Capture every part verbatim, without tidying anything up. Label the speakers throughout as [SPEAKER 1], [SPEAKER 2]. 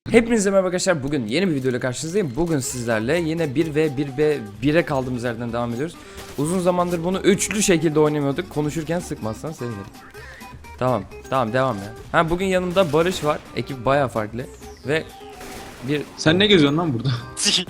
[SPEAKER 1] Hepinize merhaba arkadaşlar. Bugün yeni bir videoyla karşınızdayım. Bugün sizlerle yine bir ve bir ve bire kaldığımız yerden devam ediyoruz. Uzun zamandır bunu üçlü şekilde oynamıyorduk. Konuşurken sıkmazsan sevinirim. Tamam, tamam devam ya. Ha bugün yanımda Barış var. Ekip bayağı farklı ve bir
[SPEAKER 2] Sen ne geziyorsun lan burada?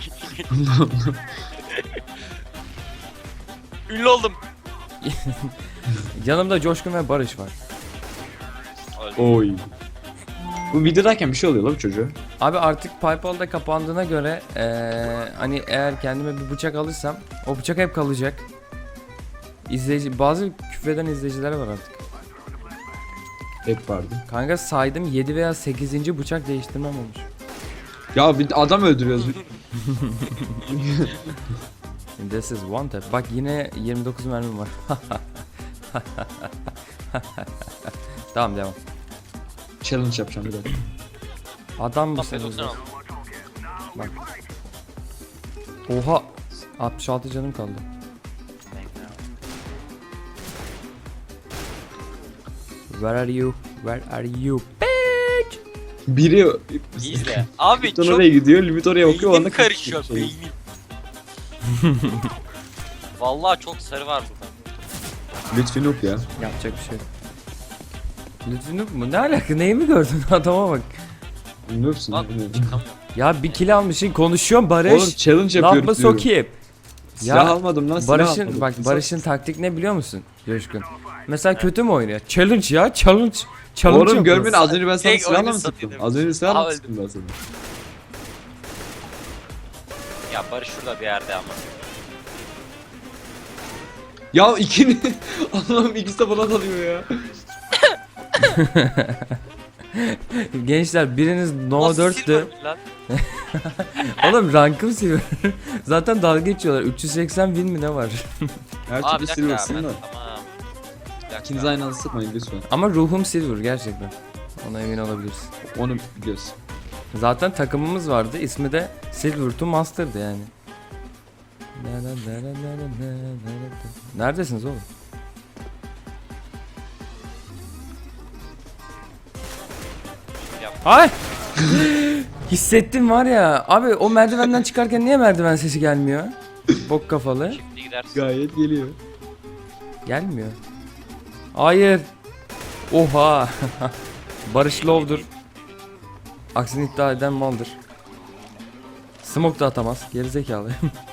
[SPEAKER 3] Ünlü oldum.
[SPEAKER 1] yanımda Coşkun ve Barış var.
[SPEAKER 2] Oy. Bu videodayken bir şey oluyor lan bu çocuğa.
[SPEAKER 1] Abi artık PayPal'da kapandığına göre eee, hani eğer kendime bir bıçak alırsam o bıçak hep kalacak. İzleyici bazı küfreden izleyiciler var artık.
[SPEAKER 2] Hep vardı.
[SPEAKER 1] Kanka saydım yedi veya sekizinci bıçak değiştirmem olmuş.
[SPEAKER 2] Ya bir adam öldürüyoruz.
[SPEAKER 1] This is one tap. Bak yine yirmi dokuz mermim var. Tamam devam.
[SPEAKER 2] Challenge yapacağım bir dakika.
[SPEAKER 1] Adam
[SPEAKER 3] Tam
[SPEAKER 1] mısın?
[SPEAKER 3] doksan aldım.
[SPEAKER 1] Bak. Oha. altmış altı canım kaldı. Where are you? Where are you? Bitch.
[SPEAKER 2] Biri
[SPEAKER 3] İzle. Abi
[SPEAKER 2] Limit
[SPEAKER 3] çok
[SPEAKER 2] oraya gidiyor, limit oraya bakıyor,
[SPEAKER 3] beynim
[SPEAKER 2] onda
[SPEAKER 3] karışıyor
[SPEAKER 2] şey.
[SPEAKER 3] beynim. Vallahi çok sarı var burada.
[SPEAKER 2] Lütfi noob ya.
[SPEAKER 1] Yapacak bir şey yok. Lütfen mu? Ne alaka? Neyi mi gördün? Adama bak.
[SPEAKER 2] Noobsun.
[SPEAKER 3] Bak
[SPEAKER 2] bilmiyorum.
[SPEAKER 3] çıkamıyorum.
[SPEAKER 1] Ya bir kill almışsın konuşuyorsun Barış.
[SPEAKER 2] Oğlum challenge
[SPEAKER 1] Laf mı
[SPEAKER 2] yapıyoruz diyorum.
[SPEAKER 1] sokayım?
[SPEAKER 2] Silah
[SPEAKER 1] Ya,
[SPEAKER 2] almadım lan, silah
[SPEAKER 1] Barış'ın
[SPEAKER 2] almadım.
[SPEAKER 1] bak
[SPEAKER 2] İnsan-
[SPEAKER 1] Barış'ın taktik ne biliyor musun? Coşkun. Mesela kötü mü oynuyor? Challenge ya, challenge. Challenge
[SPEAKER 2] Oğlum
[SPEAKER 1] yapıyor.
[SPEAKER 2] görmedin, az önce ben sana
[SPEAKER 3] Tek
[SPEAKER 2] silahla
[SPEAKER 3] oyunu
[SPEAKER 2] mı
[SPEAKER 3] satayım
[SPEAKER 2] sıktım? Az önce
[SPEAKER 3] demiştim.
[SPEAKER 2] silahla
[SPEAKER 3] Aa,
[SPEAKER 2] mı
[SPEAKER 3] öldüm.
[SPEAKER 2] sıktım ben sana?
[SPEAKER 3] Ya Barış şurada bir yerde ama.
[SPEAKER 2] Ya ikini... Allah'ım ikisi de bana dalıyor ya.
[SPEAKER 1] Gençler biriniz Nova
[SPEAKER 3] Nasıl
[SPEAKER 1] dörttü.
[SPEAKER 3] silver lan?
[SPEAKER 1] Oğlum rankım silver. Zaten dalga geçiyorlar. üç yüz seksen win mi ne var?
[SPEAKER 2] Her
[SPEAKER 3] Aa
[SPEAKER 2] türlü
[SPEAKER 3] bir dakika
[SPEAKER 2] silversin
[SPEAKER 3] ben
[SPEAKER 2] da.
[SPEAKER 3] tamam. Bir dakika.
[SPEAKER 2] İkiniz aynı anda sıkmayın lütfen.
[SPEAKER 1] Ama ruhum silver gerçekten. Ona emin olabilirsin.
[SPEAKER 2] Onu biliyorsun.
[SPEAKER 1] Zaten takımımız vardı. İsmi de Silver to Master'dı yani. Neredesiniz oğlum?
[SPEAKER 3] Yap.
[SPEAKER 1] Ay! Hissettim var ya. Abi o merdivenden çıkarken niye merdiven sesi gelmiyor? Bok kafalı.
[SPEAKER 3] Şimdi gidersin.
[SPEAKER 2] Gayet geliyor.
[SPEAKER 1] Gelmiyor. Hayır. Oha. Barış Love'dur. Aksini iddia eden maldır. Smoke da atamaz. Gerizekalı.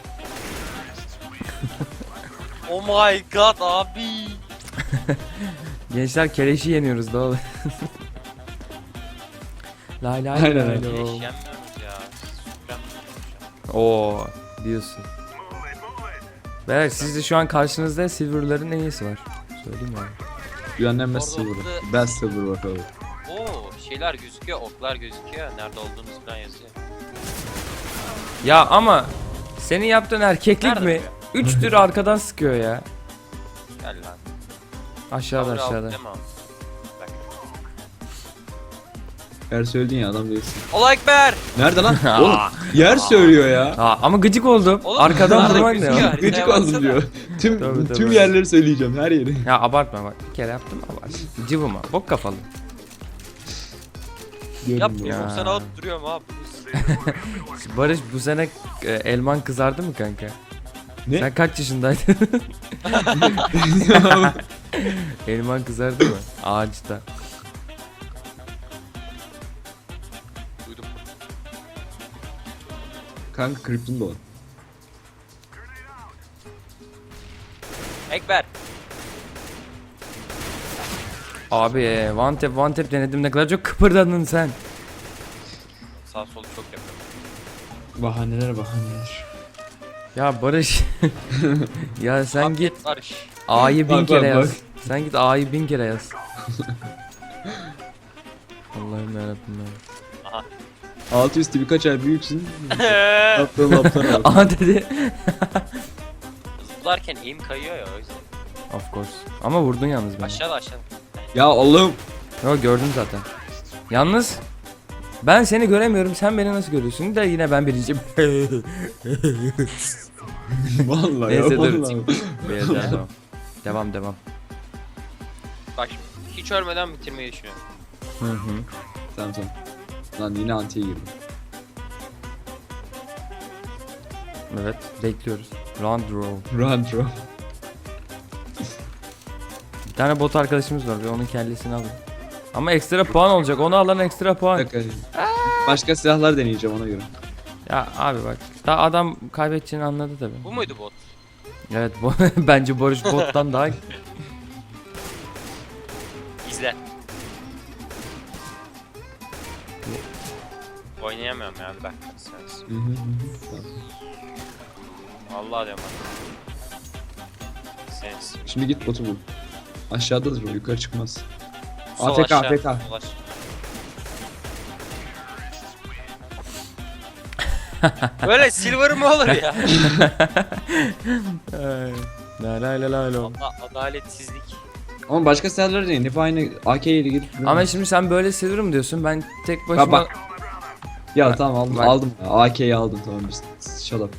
[SPEAKER 3] Oh my god abi.
[SPEAKER 1] Gençler keleşi yeniyoruz da oğlum. Lay lay
[SPEAKER 2] Aynen,
[SPEAKER 1] lay
[SPEAKER 2] aynen.
[SPEAKER 1] lay.
[SPEAKER 3] Hiç yenmiyoruz ya. Süper.
[SPEAKER 1] Oo diyorsun. Beyler sizde şu an karşınızda Silver'ların en iyisi var. Söyleyeyim yani.
[SPEAKER 2] Dünyanın best
[SPEAKER 3] Orada
[SPEAKER 2] silver.
[SPEAKER 3] orada-
[SPEAKER 2] Best silver bakalım.
[SPEAKER 3] Oo şeyler gözüküyor, oklar gözüküyor. Nerede olduğunuz falan yazıyor.
[SPEAKER 1] Ya ama senin yaptığın erkeklik
[SPEAKER 3] Nerede
[SPEAKER 1] mi? Üç tür arkadan sıkıyor ya.
[SPEAKER 3] Gel lan.
[SPEAKER 1] Aşağıda
[SPEAKER 3] Power
[SPEAKER 1] aşağıda.
[SPEAKER 3] out deme abi. Bak.
[SPEAKER 2] Yer söyledin ya, adam değilsin.
[SPEAKER 3] Allahu Ekber.
[SPEAKER 2] Nerede lan? Oğlum yer söylüyor ya.
[SPEAKER 1] Aa, ama gıcık oldum.
[SPEAKER 3] Oğlum,
[SPEAKER 1] Arkadan
[SPEAKER 3] nerede
[SPEAKER 1] vurman ne
[SPEAKER 3] gözüküyor?
[SPEAKER 1] ya?
[SPEAKER 3] Haritaya
[SPEAKER 2] Gıcık
[SPEAKER 3] baksana.
[SPEAKER 2] oldum diyor. Tüm
[SPEAKER 1] Tabii, tabii.
[SPEAKER 2] tüm yerleri söyleyeceğim, her yeri.
[SPEAKER 1] Ya abartma bak. Bir kere yaptım abart. Cıvıma. Bok kafalı.
[SPEAKER 2] Gördüm
[SPEAKER 1] Ya.
[SPEAKER 2] ya.
[SPEAKER 3] Yapma sana duruyorum abi.
[SPEAKER 1] Barış bu sene e, elman kızardı mı kanka?
[SPEAKER 2] Ne?
[SPEAKER 1] Sen kaç yaşındaydın? Elman kızardı mı? Ağaçta.
[SPEAKER 3] Duydum.
[SPEAKER 2] Kanka kripton da var.
[SPEAKER 3] Ekber.
[SPEAKER 1] Abi e, one tap one tap denedim, ne kadar çok kıpırdadın sen.
[SPEAKER 3] Sağ solu çok yapıyorum.
[SPEAKER 2] Bahaneler bahaneler.
[SPEAKER 1] Ya Barış. Ya sen
[SPEAKER 3] Abi,
[SPEAKER 1] git
[SPEAKER 3] Barış.
[SPEAKER 1] A'yı bin
[SPEAKER 2] Bak,
[SPEAKER 1] kere
[SPEAKER 2] bak,
[SPEAKER 1] yaz. Sen git A'yı bin kere yaz. Allah'ım yarabbim ya.
[SPEAKER 3] Aha.
[SPEAKER 2] Altı üstü birkaç ay büyüksün. Aptal aptal abi.
[SPEAKER 1] Aha dedi.
[SPEAKER 3] Zıplarken eğim kayıyor ya o yüzden.
[SPEAKER 1] Of course. Ama vurdun yalnız beni.
[SPEAKER 3] Aşağıda aşağıda.
[SPEAKER 2] Ya Allah'ım.
[SPEAKER 1] Yo gördüm zaten. Yalnız ben seni göremiyorum, sen beni nasıl görüyorsun? Da yine ben birinciyim.
[SPEAKER 2] Vallahi
[SPEAKER 1] Neyse,
[SPEAKER 2] ya
[SPEAKER 1] dur.
[SPEAKER 2] vallahi.
[SPEAKER 1] Beyaz devam. Devam devam.
[SPEAKER 3] Bak şimdi hiç ölmeden bitirmeyi düşünüyorum.
[SPEAKER 1] Hı hı.
[SPEAKER 2] Tamam tamam. Lan yine antiye girdim.
[SPEAKER 1] Evet, bekliyoruz. Round row.
[SPEAKER 2] Run bro.
[SPEAKER 1] Bir tane bot arkadaşımız var. Bir onun kellesini alın. Ama ekstra puan olacak. Onu alan ekstra puan.
[SPEAKER 2] Dakika. Başka silahlar deneyeceğim ona göre.
[SPEAKER 1] Ya abi bak. Daha adam kaybedeceğini anladı tabi.
[SPEAKER 3] Bu muydu bot?
[SPEAKER 1] Evet bu bence Barış bottan daha
[SPEAKER 3] İzle. Oynayamıyorum ya bir dakika. Sen.
[SPEAKER 2] Hı hı hı. Tamam.
[SPEAKER 3] Vallahi diyorum bak. Sensin.
[SPEAKER 2] Şimdi git botu bul. Aşağıdadır o, yukarı çıkmaz.
[SPEAKER 3] Sol
[SPEAKER 2] A F K,
[SPEAKER 3] aşağı,
[SPEAKER 2] A F K.
[SPEAKER 3] sol aşağı. Böyle silver mı olur ya?
[SPEAKER 1] La la la la la.
[SPEAKER 3] Allah adaletsizlik.
[SPEAKER 2] Ama başka silahlar deneyin. Hep aynı A K ile gidip.
[SPEAKER 1] Ama şimdi sen böyle seviyorum diyorsun. Ben tek başıma
[SPEAKER 2] bak. Ya tamam aldım,
[SPEAKER 1] Bak.
[SPEAKER 2] aldım. A K'yi aldım tamam biz. Shut up.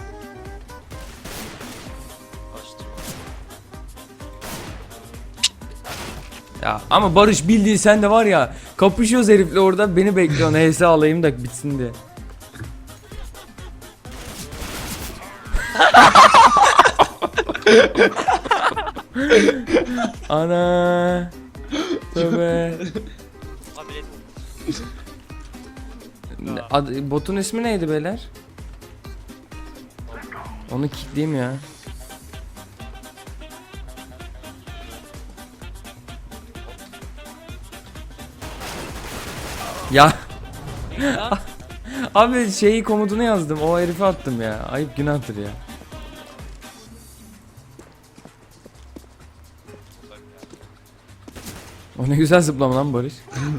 [SPEAKER 1] ya ama Barış bildiğin sen de var ya. Kapışıyoruz herifle orada beni bekliyorsun. H S alayım da bitsin diye. Ana. Tövbe.
[SPEAKER 3] Abi
[SPEAKER 1] Ad- botun ismi neydi beyler? Onu kilitleyeyim ya. Ya abi şeyi komutunu yazdım. O herife attım ya. Ayıp günahtır ya. O ne güzel zıplama lan Barış.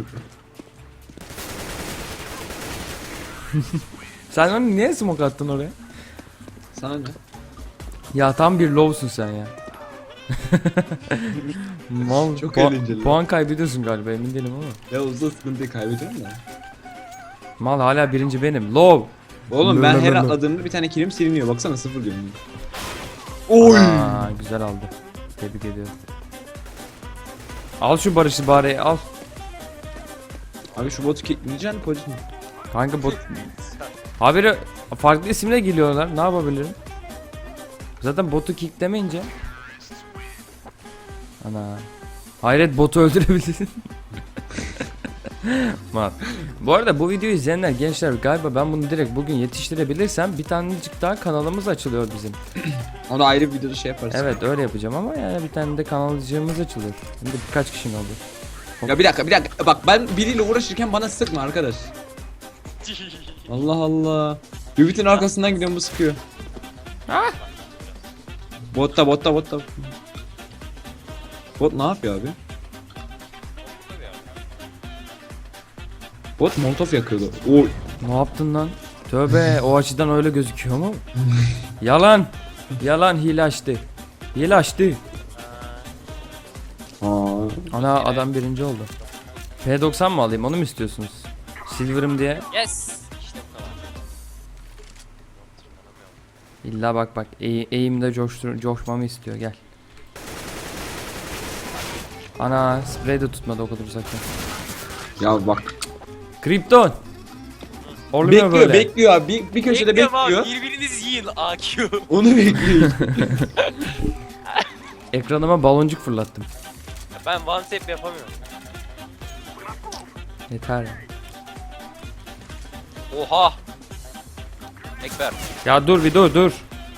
[SPEAKER 1] Sen onu niye smoke attın oraya?
[SPEAKER 2] Sana ne?
[SPEAKER 1] Ya tam bir low'sun sen ya. Mal,
[SPEAKER 2] Çok
[SPEAKER 1] puan-
[SPEAKER 2] eğlenceli.
[SPEAKER 1] Puan kaybediyorsun galiba emin değilim ama.
[SPEAKER 2] Ya uzun sıkıntıyı kaybediyorum da.
[SPEAKER 1] Mal hala birinci benim. Low.
[SPEAKER 2] Oğlum ben her
[SPEAKER 1] Lö- lö- lö-
[SPEAKER 2] atladığımda bir tane kilim siliniyor. Baksana sıfır diyorum.
[SPEAKER 1] Aa, güzel aldı. Tebrik ediyorum. Al şu Barış'ı bari al.
[SPEAKER 2] Abi şu botu kickleyeceksin polis mi?
[SPEAKER 1] Kanka bot. Haberi farklı isimle geliyorlar. Ne yapabilirim? Zaten botu kicklemeyince. Ana. Hayret botu öldürebilirsin. Mal. Bu arada bu videoyu izleyenler gençler galiba ben bunu direkt bugün yetiştirebilirsem bir tanecik daha kanalımız açılıyor bizim.
[SPEAKER 2] Onu ayrı bir videoda şey yaparız.
[SPEAKER 1] Evet öyle yapacağım ama yani bir tane de kanalcığımız açılıyor. Hem de birkaç kişinin oldu.
[SPEAKER 2] Ya bir dakika bir dakika bak ben biriyle uğraşırken bana sıkma arkadaş. Allah Allah. Ümit'in arkasından gidiyorum bu sıkıyor.
[SPEAKER 1] Ah!
[SPEAKER 2] Botta botta botta. Bot ne yapıyor abi? Bot molotof yakıyordu. Oy.
[SPEAKER 1] Ne yaptın lan? Tövbe o açıdan öyle gözüküyor mu? Yalan. Yalan hile açtı. Hile açtı.
[SPEAKER 2] Aa.
[SPEAKER 1] Ana adam birinci oldu. P doksan mı alayım onu mu istiyorsunuz? Silver'ım diye.
[SPEAKER 3] Yes. İşte bu kadar.
[SPEAKER 1] İlla bak bak eğ eğimde coştur coşmamı istiyor gel. Ana sprey de tutmadı o kadar uzaktan.
[SPEAKER 2] Ya bak.
[SPEAKER 1] Krypton. Olmuyor
[SPEAKER 2] Bekliyor
[SPEAKER 1] böyle.
[SPEAKER 2] bekliyor abi. Bir, bir köşede
[SPEAKER 3] Bekliyorum abi,
[SPEAKER 2] bekliyor.
[SPEAKER 3] birbirinizi yiyin A Q.
[SPEAKER 2] Onu bekliyor.
[SPEAKER 1] Ekranıma baloncuk fırlattım.
[SPEAKER 3] Ben one tap yapamıyorum.
[SPEAKER 1] Yeter.
[SPEAKER 3] Oha. Ekber.
[SPEAKER 1] Ya dur bir dur dur.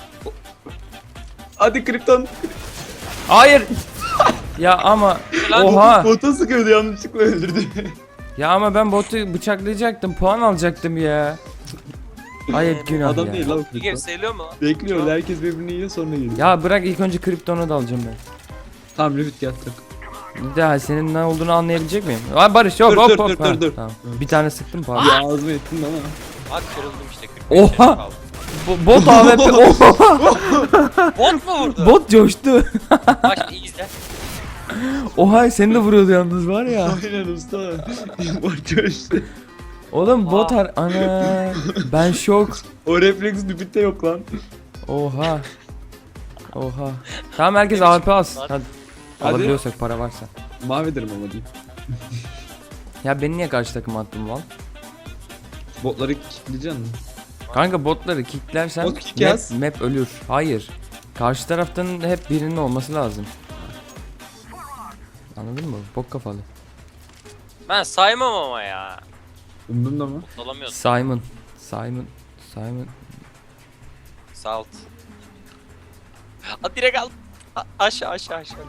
[SPEAKER 2] Hadi Krypton.
[SPEAKER 1] Hayır. Ya ama
[SPEAKER 3] Lan
[SPEAKER 1] oha.
[SPEAKER 2] Bota sıkıyordu yanlışlıkla öldürdü.
[SPEAKER 1] Ya ama ben botu bıçaklayacaktım, puan alacaktım ya. Ayıp günah
[SPEAKER 2] Adam
[SPEAKER 1] ya.
[SPEAKER 2] değil lan
[SPEAKER 3] Bir game
[SPEAKER 2] Krypton.
[SPEAKER 3] sayılıyor mu?
[SPEAKER 2] Bekliyor herkes birbirini yiyor sonra geliyor.
[SPEAKER 1] Ya bırak ilk önce Krypton'u da alacağım ben.
[SPEAKER 2] Tamam Lüfit gel tak.
[SPEAKER 1] Bir daha senin ne olduğunu anlayabilecek miyim? Aa Barış yok
[SPEAKER 2] Dur,
[SPEAKER 1] hop
[SPEAKER 2] dur,
[SPEAKER 1] hop.
[SPEAKER 2] dur,
[SPEAKER 1] Ha,
[SPEAKER 2] dur, dur.
[SPEAKER 1] Tamam. Bir tane sıktım pardon.
[SPEAKER 2] Ya ağzıma ettin ama.
[SPEAKER 3] Bak kırıldım işte. kırk beş
[SPEAKER 1] Oha!
[SPEAKER 3] yaşım kaldı.
[SPEAKER 1] Bo- bot A W P. Oha!
[SPEAKER 3] Bot mu vurdu?
[SPEAKER 1] Bot coştu.
[SPEAKER 3] Bak şimdi iyi izle.
[SPEAKER 1] Oha seni de vuruyordu yalnız var ya.
[SPEAKER 2] Aynen usta. Bot coştu.
[SPEAKER 1] Oğlum bot
[SPEAKER 3] Aa.
[SPEAKER 1] har ana. Ben şok.
[SPEAKER 2] O refleks Lüfit'te yok lan.
[SPEAKER 1] Oha. Oha. Tamam herkes A W P alsın.
[SPEAKER 3] Hadi.
[SPEAKER 1] Hadi.
[SPEAKER 2] Hadi.
[SPEAKER 1] Alabiliyorsak para varsa.
[SPEAKER 2] Mahvederim ama diyeyim.
[SPEAKER 1] Ya beni niye karşı takıma attın lan?
[SPEAKER 2] Botları kickleyeceksin mi?
[SPEAKER 1] Kanka botları kicklersen
[SPEAKER 2] Bot kick
[SPEAKER 1] map,
[SPEAKER 2] yaz.
[SPEAKER 1] map ölür. Hayır. Karşı taraftan hep birinin olması lazım. Anladın mı? Bok kafalı.
[SPEAKER 3] Ben saymam ama ya.
[SPEAKER 2] Umdum da mı?
[SPEAKER 3] Olamıyorsun.
[SPEAKER 1] Simon. Simon. Simon.
[SPEAKER 3] Salt. At direkt al. A- aşağı aşağı aşağı.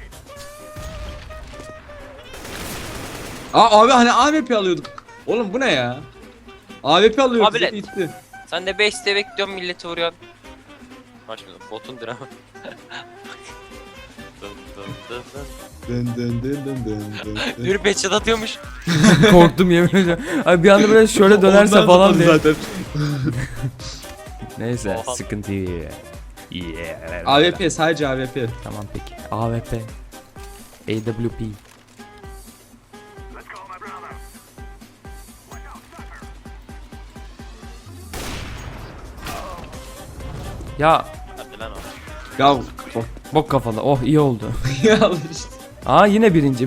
[SPEAKER 2] Aa abi hani A W P alıyorduk. Oğlum bu ne ya? A W P alıyorduk.
[SPEAKER 3] Abilet.
[SPEAKER 2] Gitti.
[SPEAKER 3] Sen de base'te bekliyorsun milleti vuruyorsun. Bak şimdi botun dramı. Dın dın dın dın.
[SPEAKER 2] Dın dın dın dın dın dın dın.
[SPEAKER 3] Bir peçet atıyormuş.
[SPEAKER 1] Korktum yemin ediyorum. Ay bir anda böyle şöyle dönerse
[SPEAKER 2] Ondan
[SPEAKER 1] falan
[SPEAKER 2] zıpladı
[SPEAKER 1] diye.
[SPEAKER 2] zaten.
[SPEAKER 1] Neyse
[SPEAKER 3] Oha.
[SPEAKER 1] sıkıntı yok. Yeah.
[SPEAKER 2] A W P sadece A W P.
[SPEAKER 1] Tamam peki. A W P. A W P. Ya
[SPEAKER 3] Hadi lan o.
[SPEAKER 2] Ya bak
[SPEAKER 1] bok kafalı. Oh iyi oldu.
[SPEAKER 2] ya işte.
[SPEAKER 1] Aa yine birinci.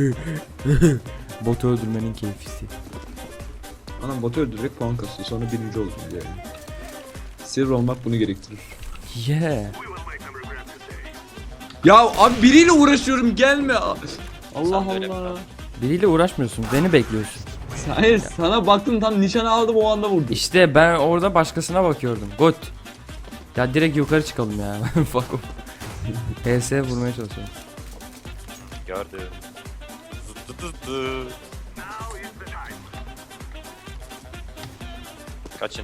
[SPEAKER 1] Botu öldürmenin keyfisi.
[SPEAKER 2] Anam botu öldürerek puan kasıyor sonra birinci olsun diye. Silver olmak bunu gerektirir.
[SPEAKER 1] Yeah.
[SPEAKER 2] Ya abi biriyle uğraşıyorum gelme. Allah
[SPEAKER 3] Sen de öyle
[SPEAKER 2] Allah.
[SPEAKER 1] Biriyle uğraşmıyorsun. Beni bekliyorsun.
[SPEAKER 2] Hayır sana baktım tam nişanı aldım o anda vurdum.
[SPEAKER 1] İşte ben orada başkasına bakıyordum. Good. Ya direkt yukarı çıkalım ya. Fuck off. H S vurmaya çalışıyorum.
[SPEAKER 3] Gördüm. Zıt zıt zıt. Kaçın.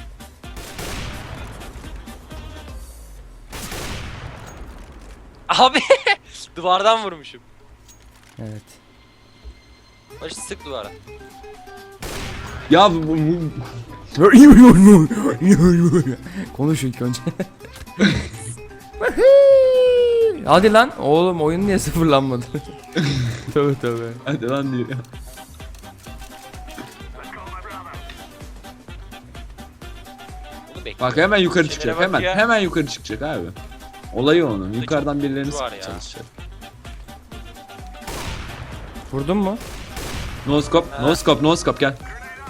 [SPEAKER 3] Abi duvardan vurmuşum.
[SPEAKER 1] Evet.
[SPEAKER 3] Başı sık duvara.
[SPEAKER 2] Ya bu, bu, bu-
[SPEAKER 1] Konuş ilk önce. Hadi lan oğlum oyun niye sıfırlanmadı? Tövbe tövbe.
[SPEAKER 2] hadi lan diyor.
[SPEAKER 3] Bunu bekle.
[SPEAKER 2] Bak hemen yukarı
[SPEAKER 3] Şeylere
[SPEAKER 2] çıkacak
[SPEAKER 3] bak
[SPEAKER 2] hemen
[SPEAKER 3] ya.
[SPEAKER 2] hemen yukarı çıkacak abi. Olayı onun. Yukarıdan birilerini
[SPEAKER 3] var
[SPEAKER 2] sıkmaya
[SPEAKER 3] ya.
[SPEAKER 2] çalışacak.
[SPEAKER 1] Vurdun mu?
[SPEAKER 2] No scope, no
[SPEAKER 3] Ha.
[SPEAKER 2] scope, no scope gel.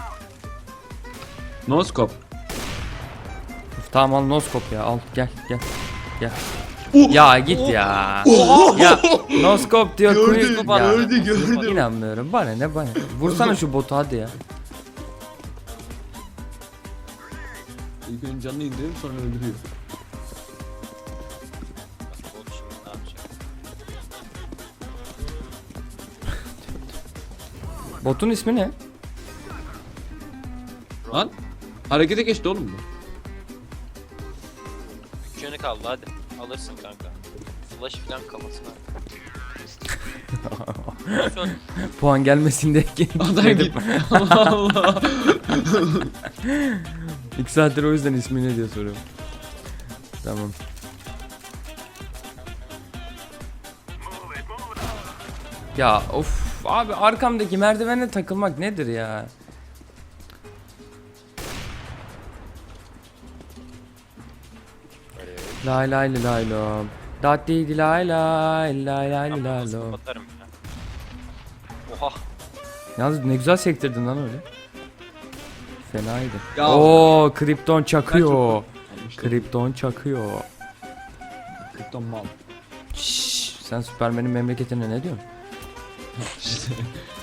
[SPEAKER 2] No scope.
[SPEAKER 1] Tamam al noskop ya al gel gel gel.
[SPEAKER 2] Oh!
[SPEAKER 1] Ya git ya. Ya noskop diyor
[SPEAKER 2] Gördü,
[SPEAKER 1] quick ya.
[SPEAKER 2] gördü, gördü.
[SPEAKER 1] İnanmıyorum bana ne bana. Vursana şu botu hadi ya.
[SPEAKER 2] İlk önce canını indiriyor sonra öldürüyor.
[SPEAKER 3] Bot şimdi ne yapacak?
[SPEAKER 1] Botun ismi ne?
[SPEAKER 2] Lan harekete geçti oğlum bu.
[SPEAKER 3] Üç yönü kaldı hadi. Alırsın kanka. Flash falan kafasına. Son.
[SPEAKER 1] Puan gelmesin diye
[SPEAKER 2] Adam
[SPEAKER 1] dedim.
[SPEAKER 2] gitti. Allah Allah.
[SPEAKER 1] İki saattir o yüzden ismi ne diye soruyorum. Tamam. Ya of abi arkamdaki merdivene takılmak nedir ya? Lay lay lay lay lom. Datti di lay lay lay lay
[SPEAKER 3] Ben
[SPEAKER 1] lay
[SPEAKER 3] nasıl
[SPEAKER 1] lom.
[SPEAKER 3] kapatarım ya. Oha.
[SPEAKER 1] Yalnız ne güzel sektirdin lan öyle. Fenaydı.
[SPEAKER 2] Ya.
[SPEAKER 1] Oo Krypton çakıyor.
[SPEAKER 2] Almıştım.
[SPEAKER 1] Krypton çakıyor.
[SPEAKER 2] Krypton mal.
[SPEAKER 1] Şşş, sen Süpermen'in memleketine ne diyorsun?
[SPEAKER 2] İşte.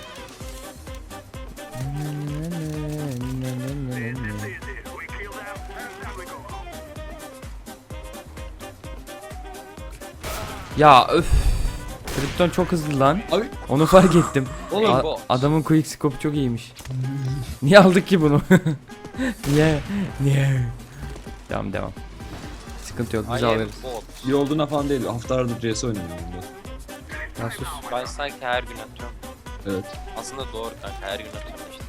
[SPEAKER 1] Ya öf. Krypton çok hızlı lan.
[SPEAKER 2] Abi
[SPEAKER 1] Onu fark ettim.
[SPEAKER 2] oğlum
[SPEAKER 1] A-
[SPEAKER 3] bu-
[SPEAKER 1] adamın quick scope çok iyiymiş. Niye aldık ki bunu? Niye? Niye? Devam devam. Sıkıntı yok biz
[SPEAKER 3] I am
[SPEAKER 1] alırız.
[SPEAKER 3] bot.
[SPEAKER 2] iyi olduğuna falan değil. Haftalardır C S oynuyorum bunda.
[SPEAKER 1] Ya sus.
[SPEAKER 3] Ben sanki her gün atıyorum.
[SPEAKER 2] Evet.
[SPEAKER 3] Aslında doğru kanka her gün atıyorum işte.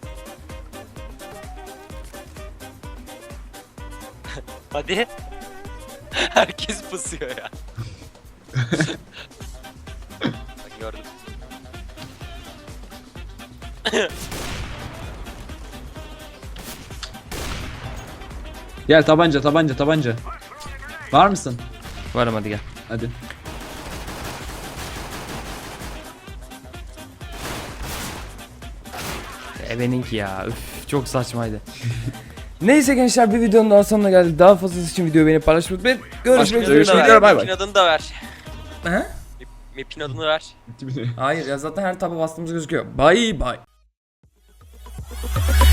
[SPEAKER 3] Hadi. Herkes pısıyor ya. Bak gördüm.
[SPEAKER 2] Gel tabanca tabanca tabanca. Var mısın?
[SPEAKER 1] Varım hadi gel.
[SPEAKER 2] Hadi.
[SPEAKER 1] Ebeninki ya. Üf. çok saçmaydı. Neyse gençler, bir videonun daha sonuna geldik. Daha fazlası için videoyu beğenip paylaşmayı unutmayın. Görüşmek üzere.
[SPEAKER 2] Görüşmek
[SPEAKER 3] Map'in
[SPEAKER 2] üzere, bay bay.
[SPEAKER 3] Map'in adını da ver.
[SPEAKER 1] He?
[SPEAKER 3] Map'in adını ver.
[SPEAKER 1] Hayır ya, zaten her taba bastığımız gözüküyor. Bye bye.